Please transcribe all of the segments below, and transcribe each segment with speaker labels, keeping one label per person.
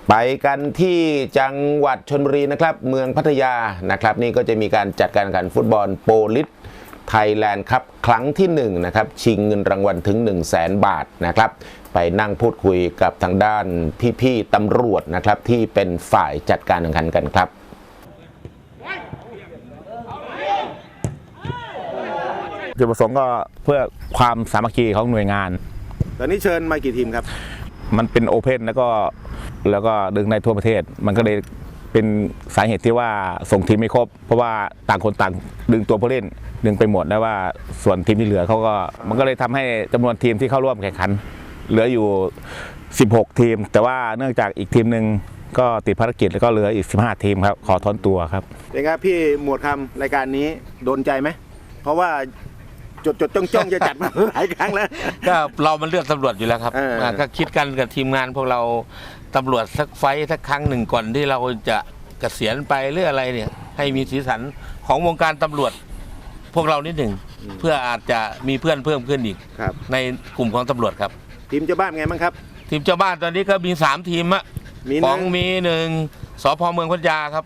Speaker 1: ไปกันที่จังหวัดชลบุรีนะครับเมืองพัทยานะครับนี่ก็จะมีการจัดการแข่งขันฟุตบอลโปลิสไทยแลนด์ครับครั้งที่1นะครับชิงเงินรางวัลถึง 100,000 บาทนะครับไปนั่งพูดคุยกับทางด้านพี่ๆตำรวจนะครับที่เป็นฝ่ายจัดการแข่งขันกันครับ
Speaker 2: จุดประสงค์ก็เพื่อความสามัคคีของหน่วยงาน
Speaker 1: ตอนนี้เชิญมากี่ทีมครับ
Speaker 2: มันเป็นโอเพนแล้วก็ดึงในทั่วประเทศมันก็เลยเป็นสาเหตุที่ว่าส่งทีมไม่ครบเพราะว่าต่างคนต่างดึงตัวผู้เล่นดึงไปหมดแล้วว่าส่วนทีมที่เหลือเขาก็มันก็เลยทำให้จำนวนทีมที่เข้าร่วมแข่งขันเหลืออยู่16ทีมแต่ว่าเนื่องจากอีกทีมหนึ่งก็ติดภารกิจแล้วก็เหลืออีก15ทีมครับขอถอนตัวครับ
Speaker 1: เป็นไงพี่หมวดคำรายการนี้โดนใจไหมเพราะว่าจดจ้องจะจัดมาหลายครั้งแล้ว
Speaker 3: ก็เรามันเลือกตำรวจอยู่แล้วครับก็คิดกันกับทีมงานพวกเราตำรวจสักไฟสักครั้งหนึ่งก่อนที่เราจะเกษียณไปหรืออะไรเนี่ยให้มีสีสันของวงการตำรวจพวกเรานิดหนึ่งเพื่ออาจจะมีเพื่อนเพิ่มขึ้นอีกในกลุ่มของตำรวจครับ
Speaker 1: ทีมเจ้าบ้านไงบ้างครับ
Speaker 3: ทีมเจ้าบ้านตอนนี้ก็มี3ทีมอะของมี1สพเมืองพัทยาครับ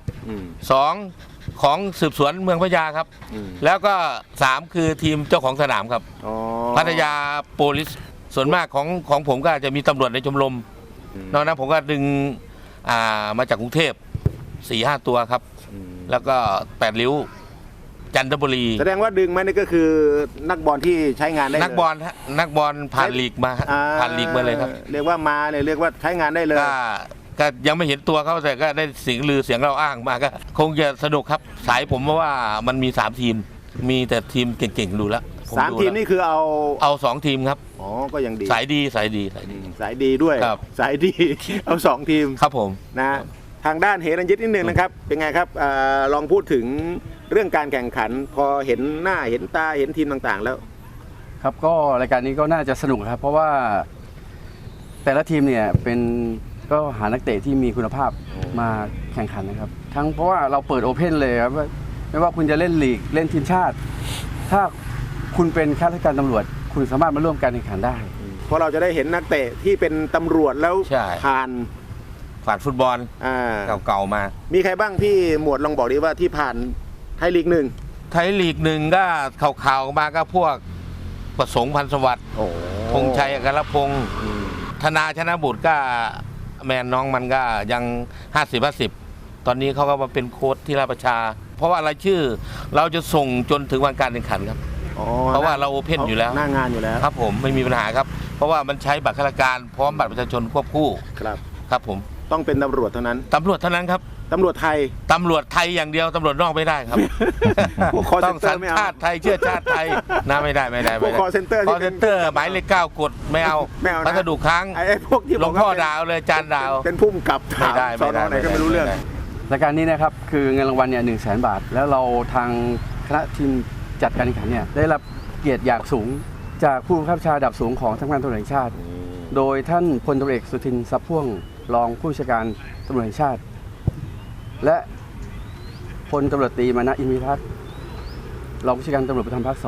Speaker 3: 2ของสืบสวนเมืองพัทยาครับแล้วก็3คือทีมเจ้าของสนามครับพัทยาโปลิสส่วนมากของผมก็จะมีตำรวจในชมรมนอกนั้นผมก็ดึงมาจากกรุงเทพ 4-5 ตัวครับแล้วก็8ริ้วจันทบุรี
Speaker 1: แสดงว่าดึงมานี่ก็คือนักบอลที่ใช้งานได้
Speaker 3: นักบอลผ่านลีกมาผ่านลีกมาเลยครับ
Speaker 1: เรียกว่ามาเนี่ยเรียกว่าใช้งานได้เลย
Speaker 3: ก็ยังไม่เห็นตัวเขาแต่ก็ได้เสียงลือเสียงเราอ้างมาก็คงจะสนุกครับสายผมว่ามันมี3ทีมมีแต่ทีมเก่งๆดูแล้ว
Speaker 1: 3ทีมนี่คือ
Speaker 3: เอา2ทีมครับ
Speaker 1: อ๋อก็ยังดี
Speaker 3: สายดี
Speaker 1: ด้วยสายดีเอา2ทีม
Speaker 3: ครับผม
Speaker 1: นะทางด้านเฮรัญยิตนิดนึงนะครับเป็นไงครับลองพูดถึงเรื่องการแข่งขันพอเห็นหน้าเห็นตาเห็นทีมต่างๆแล้ว
Speaker 4: ครับก็รายการนี้ก็น่าจะสนุกครับเพราะว่าแต่ละทีมเนี่ยก็หานักเตะที่มีคุณภาพมาแข่งขันนะครับทั้งเพราะว่าเราเปิดโอเพ่นเลยครับไม่ว่าคุณจะเล่นลีกเล่นทีมชาติถ้าคุณเป็นข้าราชการตำรวจคุณสามารถมาร่วมการแข่งขันได้
Speaker 1: เพราะเราจะได้เห็นนักเตะที่เป็นตำรวจแล้วผ่าน
Speaker 3: ฟุตบอลเก่าๆมา
Speaker 1: มีใครบ้างพี่หมวดลองบอกดีว่าที่ผ่านไทยลีก1
Speaker 3: ก็ข่าวมาก็พวกประสงค์พันธุ์สวัสดิ์ธงชัยอัครพงศ์ธนาชนะบุตรก็แมนน้องมันก็ยัง50-50ตอนนี้เขาก็มาเป็นโค้ชที่ราชประชาเพราะว่าอะไรชื่อเราจะส่งจนถึงวันการแข่งขันครับเพราะว่าเราโอเพ่นอยู่แล้ว
Speaker 1: หน้างานอยู่แล้ว
Speaker 3: ครับผมไม่มีปัญหาครับเพราะว่ามันใช้บัตรข้าราชการพร้อมบัตรประชาชนควบคู่ครับผม
Speaker 1: ต้องเป็นตำรวจเท่านั้น
Speaker 3: ครับ
Speaker 1: ตำรวจไทย
Speaker 3: อย่างเดียวตำรวจนอกไม่ได้ครับต้องสัญชาติไทยเชื่อชาติไทยนะไม่ได้
Speaker 1: คอเซ็นเตอร์
Speaker 3: หมายเลข9กดไม่เอาพัสดุค้าง
Speaker 1: พวกที่
Speaker 3: หลวงพ่อดาวเลยจานดาว
Speaker 1: เป็นพุ่มกับ
Speaker 3: ไม่ได้
Speaker 1: ไหนก็ไม่รู้เรื่อง
Speaker 4: รายการนี้นะครับคือเงินรางวัลเนี่ย100,000 บาทแล้วเราทางคณะทีมจัดการแข่งขันเนี่ยได้รับเกียรติอย่างสูงจากผู้บังคับบัญชาระดับสูงของสำนักงานตำรวจแห่งชาติโดยท่านพลตำรวจเอกสุทินทรัพย์พ่วงรองผู้บัญชาการตำรวจแห่งชาติและพลตำรวจตรีมานะอินทรทัศน์รองผู้บัญชาการตำรวจภูธรภาค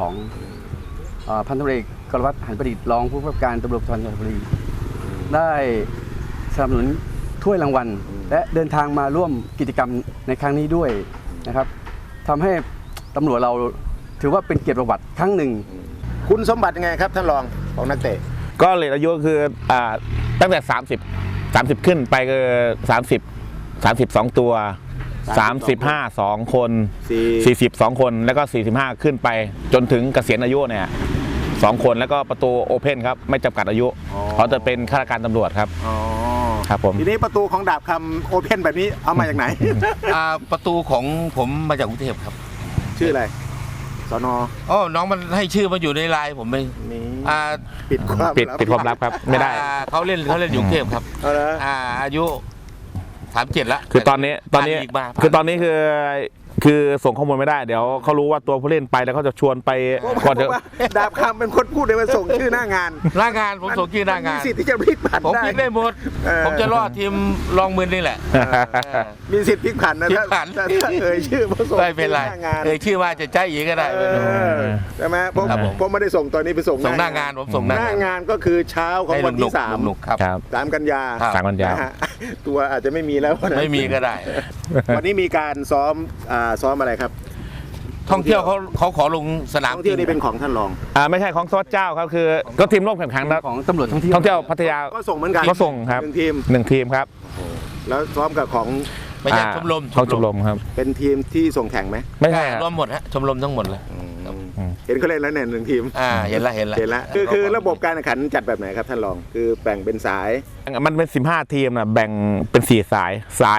Speaker 4: 2พันตำรวจเอกกรวัตรหันประดิษฐ์รองผู้กำกับการตำรวจภูธรจังหวัดชลบุรีได้สนับสนุนถ้วยรางวัลและเดินทางมาร่วมกิจกรรมในครั้งนี้ด้วยนะครับทำให้ตำรวจเราถือว่าเป็นเกียรติประวัติครั้งหนึ่ง
Speaker 1: คุณสมบัติยังไงครับท่านรองของนักเตะ
Speaker 2: ก็เลทอายุคือตั้งแต่30ขึ้นไปก็32ตัว35 2คน40 2คนแล้วก็45ขึ้นไปจนถึงเกษียณอายุเนี่ย2คนแล้วก็ประตูโอเพ่นครับไม่จำกัดอายุเขาจะเป็นข้าราชการตำรวจครับครับผม
Speaker 1: ทีนี้ประตูของดาบคำโอเพ่นแบบนี้เอามาจากไหน
Speaker 3: ประตูของผมมาจากกรุงเทพครับ
Speaker 1: ชื่ออะไรสน.
Speaker 3: น้องมันให้ชื่อมาอยู่ในไลน์ผมไม่
Speaker 1: ปิด
Speaker 2: ความลับครับไม่ได้
Speaker 3: เขาเล่นอยู่กรุงเทพครับอายุ37แล้ว
Speaker 2: คือตอนนี้คือคือส่งข้อมูลไม่ได้เดี๋ยวเขารู้ว่าตัวผู้เล่นไปแล้วเขาจะชวนไปก่อน
Speaker 5: เพ
Speaker 2: จะ
Speaker 5: ราะว่าดาบคำเป็นคนพูดเลยว่าส่งชื่อหน้างาน
Speaker 3: หน้างานผมส่งชื่อหน้างาน
Speaker 5: มีสิทธิ์ที่จะพลิกผัน
Speaker 3: ผม
Speaker 5: ได้
Speaker 3: พลิกได้หมด ผมจะรอดทีมรองมือนี่แหละ
Speaker 5: มีสิทธิ์พลิกผันนะ
Speaker 3: พลิกผัน
Speaker 5: ถ้าเอ่ยชื่อมาส่ง
Speaker 3: ไม่เป็นไร
Speaker 5: หน้างาน
Speaker 3: ชื่อว่าจะใจอีกก็ได้
Speaker 5: เออใช่ไหมผม
Speaker 3: ครับผม
Speaker 5: ผมไม่ได้ส่งตอนนี้ไปส่ง
Speaker 3: ส่งหน้างานผมส่งหน้างาน
Speaker 5: งานก็คือเช้าของ
Speaker 3: ให้
Speaker 5: วันที่
Speaker 3: หนุกๆครับ
Speaker 2: ครับ
Speaker 5: 3 กันยา
Speaker 3: ครับ
Speaker 2: 3 กันยา
Speaker 5: นะฮะตัวอาจจะไม่มีแล้วนะ
Speaker 3: ไม่มีก็ได้
Speaker 5: วันนี้มีการซ้อมซ้อมอะไรครับ
Speaker 3: ท่องเที่ยวเขาขอลงสนาม
Speaker 5: ท่องเที่ยวนี่เป็นของท่านรอง
Speaker 2: ไม่ใช่ของซอสเจ้าครับคือก็ทีมร่วมแข่งขันนะ
Speaker 4: ของตำรวจท่องเที่ยว
Speaker 2: ท่องเที่ยวพัทยา
Speaker 5: ก็ส่งเหมือนกัน
Speaker 2: ก็ส่งครับ
Speaker 5: หนึ่งทีม
Speaker 2: 1 ทีมครับ
Speaker 5: แล้วซ้อมกับของ
Speaker 3: ไม่ใช่ชมรม
Speaker 2: ของชมรมครับ
Speaker 5: เป็นทีมที่ส่งแข่งไหม
Speaker 2: ไม่ใช่ครับ
Speaker 3: รวมหมดฮะชมรมทั้งหมดเลย
Speaker 5: เห็นเขาเล่นแล้วเนี่ย1 ทีม
Speaker 3: เห็นละ
Speaker 5: เห็นแล้วคือระบบการแข่งขันจัดแบบไหนครับท่านรองคือแบ่งเป็นสาย
Speaker 2: มันเป็น15 ทีมนะแบ่งเป็น4 สาย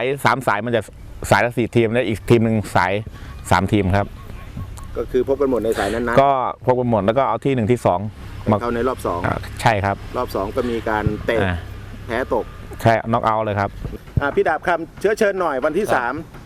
Speaker 2: 3 สายมันจะสายละ4 ทีมแล้วอีกทีมหนึ่งสาย3 ทีมครับ
Speaker 5: ก็คือพบกันหมดในสายนั้นนะ
Speaker 2: ก็พบกันหมดแล้วก็เอาที่1ที่2มา
Speaker 5: เข้าในรอบ
Speaker 2: ใช่ครับ
Speaker 5: 2รอบ2ก็มีการเตะ
Speaker 2: อ่า
Speaker 5: แพ้ตก
Speaker 2: ใช่น็อกเอาท์เลยครับ
Speaker 5: พี่ดาบคำเชิญหน่อยวันที่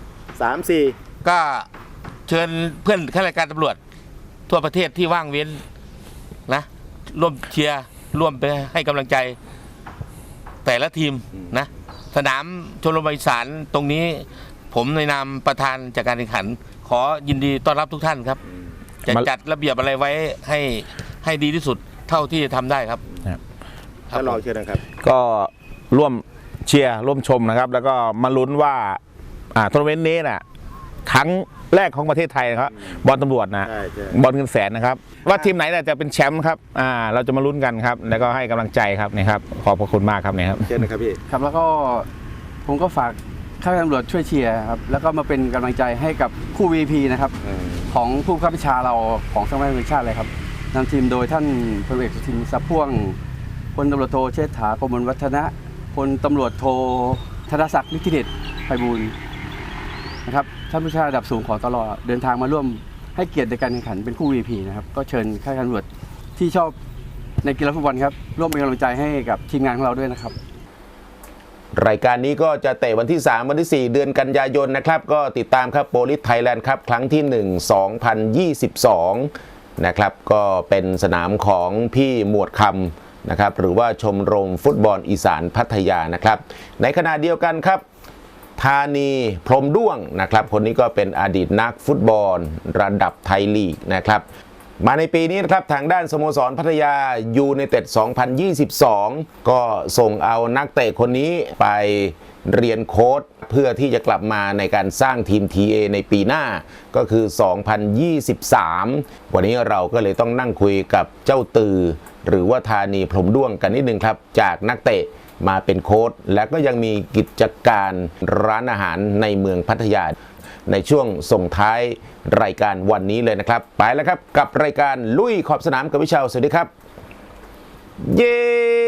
Speaker 5: 3 3 4
Speaker 3: ก็เชิญเพื่อนข้าราชการตำรวจทั่วประเทศที่ว่างเว้นนะร่วมเชียร์ร่วมไปให้กำลังใจ แต่ละทีมนะสนามชลบุรีอีสานตรงนี้ ผมในนามประธานจัดการแข่งขัน ขอยินดีต้อนรับทุกท่านครับ จะจัดระเบียบอะไรไว้ให้ดีที่สุดเท่าที่จะทำได้ครับ
Speaker 5: ท่านรองเชิญนะครับ
Speaker 2: ก็ร่วมเชียร์ร่วมชมนะครับ แล้วก็มาลุ้นว่าทัวร์นาเมนต์นี้น่ะครั้งแรกของประเทศไทยนะครับบอลตำรวจนะ
Speaker 5: ใช่
Speaker 2: บอลเงินแสนนะครับ ว่าทีมไหนน่ะจะเป็นแชมป์ครับเราจะมาลุ้นกันครับ แล้วก็ให้กำลังใจครับนี่ครับขอบพระคุณมากครับนี่ครับ
Speaker 5: เชิญนะครับพี่
Speaker 4: ครับแล้วก็ผมก็ฝากข้าราชการตำรวจช่วยเชียร์ครับแล้วก็มาเป็นกำลังใจให้กับคู่ VP นะครับของผู้บังคับบัญชาเราของสำนักงานตำรวจแห่งชาติเลยครับนำทีมโดยท่านพลเอกสุทินทรัพย์พ่วงพลตำรวจโทเชษฐากมลวัฒนะพลตำรวจโทธนศักดิ์ฤทธิเดชไพบูลย์นะครับท่านผู้ชาระดับสูงของตลอดเดินทางมาร่วมให้เกียรติในการแข่งขันเป็นคู่ VP นะครับก็เชิญข้าราชการตำรวจที่ชอบในกีฬาฟุตบอลครับร่วมเป็นกำลังใจให้กับทีมงานของเราด้วยนะครับ
Speaker 1: รายการนี้ก็จะเตะวันที่ 3 วันที่ 4 เดือนกันยายนนะครับ ก็ติดตามครับโปลิสไทยแลนด์ครับครั้งที่ 1 2022 นะครับ ก็เป็นสนามของพี่หมวดคำนะครับ หรือว่าชมรมฟุตบอลอีสานพัทยานะครับ ในขณะเดียวกันครับ ธานีพรหมด้วงนะครับ คนนี้ก็เป็นอดีตนักฟุตบอลระดับไทยลีกนะครับ มาในปีนี้นะครับทางด้านสโมสรพัทยายูไนเต็ด 2022 ก็ส่งเอานักเตะคนนี้ไปเรียนโค้ชเพื่อที่จะกลับมาในการสร้างทีม TA ในปีหน้าก็คือ 2023 วันนี้เราก็เลยต้องนั่งคุยกับเจ้าตือ หรือว่าธานีพรหมด้วงกันนิดนึงครับจากนักเตะมาเป็นโค้ชและก็ยังมีกิจการร้านอาหารในเมืองพัทยาในช่วงส่งท้ายรายการวันนี้เลยนะครับไปแล้วครับกับรายการลุยขอบสนามกับวิชาสวัสดีครับเย้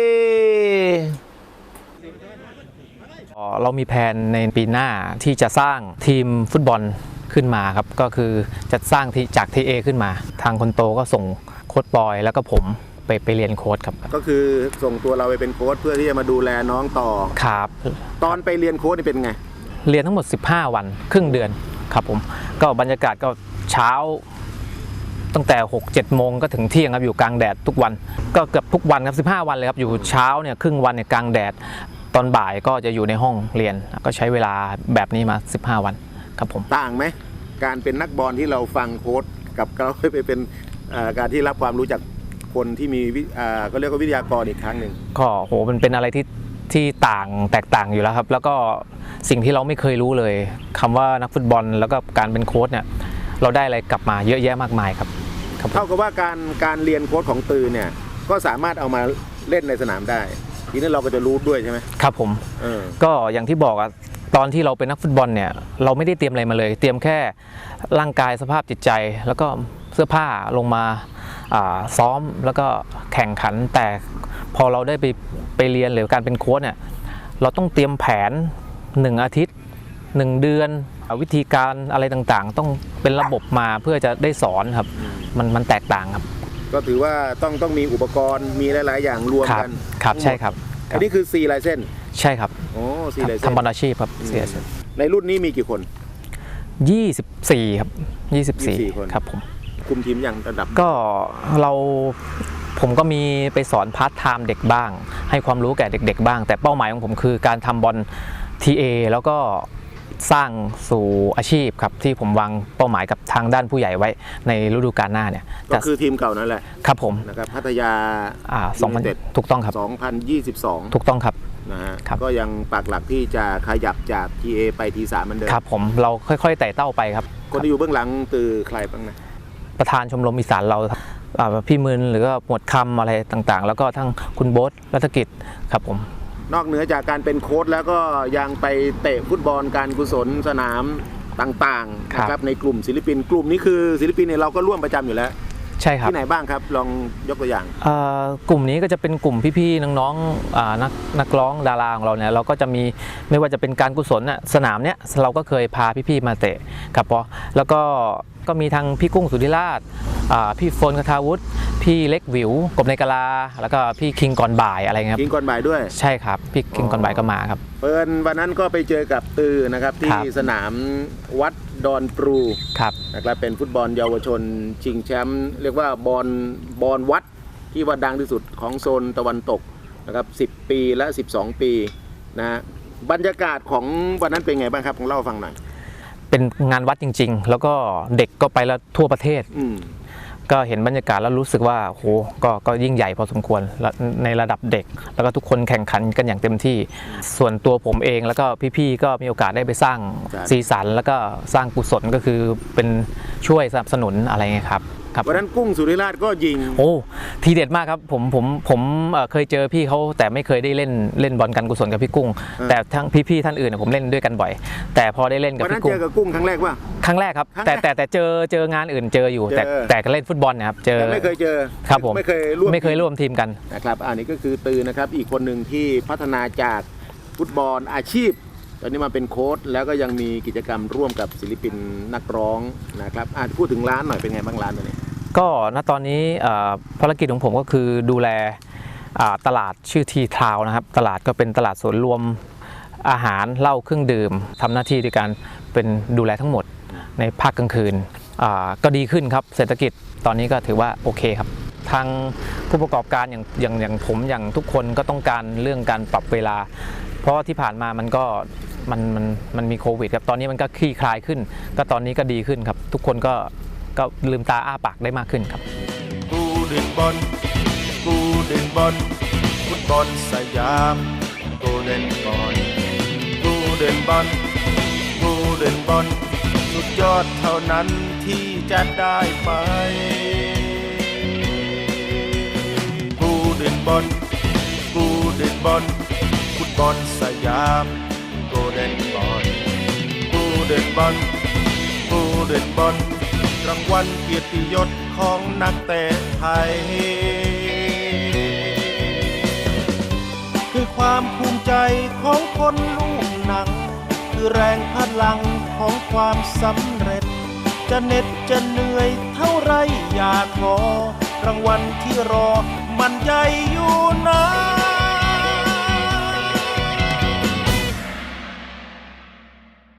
Speaker 6: เรามีแผนในปีหน้าที่จะสร้างทีมฟุตบอลขึ้นมาครับก็คือจะสร้างจาก TA ขึ้นมาทางคนโตก็ส่งโค้ชบอยแล้วก็ผมไปเรียนโค้ชครับ
Speaker 5: ก็คือส่งตัวเราไปเป็นโค้ชเพื่อที่จะมาดูแลน้องต่อ
Speaker 6: ครับ
Speaker 5: ตอนไปเรียนโค้ชนี่เป็นไง
Speaker 6: เรียนทั้งหมด15 วันครึ่งเดือนครับผมก็บรรยากาศก็เช้าตั้งแต่ 6-7 โมงก็ถึงเที่ยงครับอยู่กลางแดดทุกวันก็เกือบทุกวันครับ15 วันเลยครับอยู่เช้าเนี่ยครึ่งวันเนี่ยกลางแดดตอนบ่ายก็จะอยู่ในห้องเรียนก็ใช้เวลาแบบนี้มา15 วันครับผม
Speaker 5: ต่างไหมการเป็นนักบอลที่เราฟังโค้ชกับเราไปเป็นการที่รับความรู้จากคนที่มีก็เรียกว่าวิทยากรอีกครั้งหนึ่ง
Speaker 6: ก็โหมันเป็นอะไรที่แตกต่างอยู่แล้วครับแล้วก็สิ่งที่เราไม่เคยรู้เลยคำว่านักฟุตบอลแล้วก็การเป็นโค้ชเนี่ยเราได้อะไรกลับมาเยอะแยะมากมายครับ
Speaker 5: เท่ากับว่าการเรียนโค้ชของตือเนี่ยก็สามารถเอามาเล่นในสนามได้ทีนี้เราก็จะรู้ด้วยใช่ไหม
Speaker 6: ครับผมก็อย่างที่บอกอะตอนที่เราเป็นนักฟุตบอลเนี่ยเราไม่ได้เตรียมอะไรมาเลย เตรียมแค่ร่างกายสภาพจิตใจแล้วก็เสื้อผ้าลงมาซ้อมแล้วก็แข่งขันแต่พอเราได้ไปเรียนหรือการเป็นโค้ชเนี่ยเราต้องเตรียมแผน1 อาทิตย์ 1 เดือนวิธีการอะไรต่างๆต้องเป็นระบบมาเพื่อจะได้สอนครับมันแตกต่างครับ
Speaker 5: ก็ถือว่าต้องมีอุปกรณ์มีหลายๆอย่างรวมกัน
Speaker 6: ครับใช่ครับ
Speaker 5: อันนี้คือ4 ลายเส้น
Speaker 6: ใช่ครับ
Speaker 5: โอ้4 ลายเส้น
Speaker 6: ทำบอลอาชีพครับเสีย
Speaker 5: ในรุ่นนี้มีกี่คน
Speaker 6: 24 ครับ
Speaker 5: 24 คน
Speaker 6: ครับผม
Speaker 5: คุมทีมอย่างระดับ
Speaker 6: ก็ผมก็มีไปสอนพาร์ทไทม์เด็กบ้าง ให้ความรู้แก่เด็กๆบ้าง แต่เป้าหมายของผมคือการทำบอล TA แล้วก็สร้างสู่อาชีพครับที่ผมวางเป้าหมายกับทางด้านผู้ใหญ่ไว้ในฤดูกาลหน้าเนี่ย
Speaker 5: ก็คือทีมเก่านั่นแหละ
Speaker 6: ครับผม
Speaker 5: นะครับพัทยา
Speaker 6: 2000ถูกต้องครับ
Speaker 5: 2022
Speaker 6: ถูกต้องครับ
Speaker 5: นะฮะ
Speaker 6: ครับ
Speaker 5: ก็ยังปักหลักที่จะขยับจาก TA ไป T3 เหมือนเดิม
Speaker 6: ครับผมเราค่อยๆไต่เต้าไปครับ
Speaker 5: คนที่อยู่เบื้องหลังคือใครบ้างนะ
Speaker 6: ประธานชมรมอีสานเราพี่มืนหรือก็หมวดคำอะไรต่างๆ แล้วก็ทั้งคุณโบ๊ทรัตกิจครับผม
Speaker 5: นอกเหนือจากการเป็นโค้ชแล้วก็ยังไปเตะฟุตบอลการกุศลสนามต่างๆ
Speaker 6: ครับ
Speaker 5: นะครับในกลุ่มศิลปินกลุ่มนี้คือศิลปินเนี่ยเราก็ร่วมประจำอยู่แล้ว
Speaker 6: ใช่ครับ
Speaker 5: ที่ไหนบ้างครับลองยกตัวอย่าง
Speaker 6: กลุ่มนี้ก็จะเป็นกลุ่มพี่ๆน้องๆนักร้องดาราของเราเนี่ยเราก็จะมีไม่ว่าจะเป็นการกุศลน่ะสนามเนี้ยเราก็เคยพาพี่ๆมาเตะครับเพราะแล้วก็มีทางพี่กุ้งสุธิราชพี่โฟนคทาวุฒิพี่เล็กวิวกบในกะลาแล้วก็พี่คิงก่อนบ่ายอะไรเงี้ยครับ
Speaker 5: กินก่อนบ่ายด้วย
Speaker 6: ใช่ครับพี่คิงก่อนบ่ายก็มาครับ
Speaker 5: เปิดวันนั้นก็ไปเจอกับตือนะครับที่
Speaker 6: ครับ
Speaker 5: สนามวัดดอนปรู
Speaker 6: ครับ
Speaker 5: นะครับเป็นฟุตบอลเยาวชนชิงแชมป์เรียกว่าบอลวัดที่ว่าดังที่สุดของโซนตะวันตกนะครับ10 ปีและ 12 ปีนะฮะบรรยากาศของวันนั้นเป็นไงบ้างครับลองเล่าให้ฟังหน่อย
Speaker 6: เป็นงานวัดจริงๆ แล้วก็เด็กก็ไปแล้วทั่วประเทศ
Speaker 5: อืม
Speaker 6: ก็เห็นบรรยากาศแล้วรู้สึกว่าโหก็ยิ่งใหญ่พอสมควรและในระดับเด็ก แล้วก็ทุกคนแข่งขันกันอย่างเต็มที่ ส่วนตัวผมเองแล้วก็พี่ๆก็มีโอกาสได้ไปสร้าง
Speaker 5: ครับ
Speaker 6: สีสันแล้วก็สร้างกุศลก็คือเป็นช่วยสนับสนุนอะไรเงี้ยครับครับ
Speaker 5: วันนั้นกุ้งสุริราชก็ยิง
Speaker 6: โอ้ทีเด็ดมากครับผมเคยเจอพี่เขาแต่ไม่เคยได้เล่นบอลการกุศลกับพี่กุ้ง แต่ทั้งพี่ๆท่านอื่นผมเล่นด้วยกันบ่อย แต่พอได้เล่นกับ
Speaker 5: วันนั้น
Speaker 6: พี่กุ้
Speaker 5: เจ
Speaker 6: ง
Speaker 5: อกับกุ้งครั้งแรกว่า
Speaker 6: ครั้งแรกครับ
Speaker 5: ครั้ง
Speaker 6: แต่
Speaker 5: แรก
Speaker 6: แต่เจองานอื่นเจออยู่
Speaker 5: เจอ
Speaker 6: แต่ก็เล่นฟุตบอลนะครับเจอ
Speaker 5: แต่ไม่เคยเจอ
Speaker 6: ครับผม
Speaker 5: ไม่เคยร่วม
Speaker 6: ไม่เคยร่วมทีมกัน
Speaker 5: นะครับอันนี้ก็คือตือนะครับอีกคนหนึ่งที่พัฒนาจากฟุตบอลอาชีพ ตอนนี้มาเป็นโค้ชแล้วก็ยังมีกิจกรรมร่วมกับศิลปินนักร้องนะครับพูดถึงร้านหน่อยเป็นไงบ้างร้านตัวนี้
Speaker 6: ก็ณตอนนี้ภารกิจของผมก็คือดูแลตลาดชื่อทีทาวนะครับตลาดก็เป็นตลาดส่วนรวมอาหารเหล้าเครื่องดื่มทำหน้าที่ด้วยการเป็นดูแลทั้งหมดในภาคกลางคืนก็ดีขึ้นครับเศรษฐกิจตอนนี้ก็ถือว่าโอเคครับทางผู้ประกอบการอย่างผมอย่างทุกคนก็ต้องการเรื่องการปรับเวลา เพราะว่าที่ผ่านมามันมีโควิดครับตอนนี้มันก็คลี่คลายขึ้นก็ตอนนี้ก็ดีขึ้นครับทุกคนก็ลืมตาอ้าปากได้มากขึ้นครับ
Speaker 7: กูเด่นบอลกูเด่นบอลฟุตบอลสยามกูเด่นบอลกูเด่นบอลกูเด่นบอลสุดยอดเท่านั้นที่จะได้ไปกูเด่นบอลกูเด่นบอลฟุตบอลสยามกูเด่นบอลกูเด่นบอลกูเด่นบอลรางวัลเกียรติยศของนักเตะไทยคือความภูมิใจของคนลูกหนังคือแรงพลังของความสำเร็จจะเหน็ดจะเหนื่อยเท่าไรอย่าท้อรางวัลที่รอมันใหญ่อยู่นะ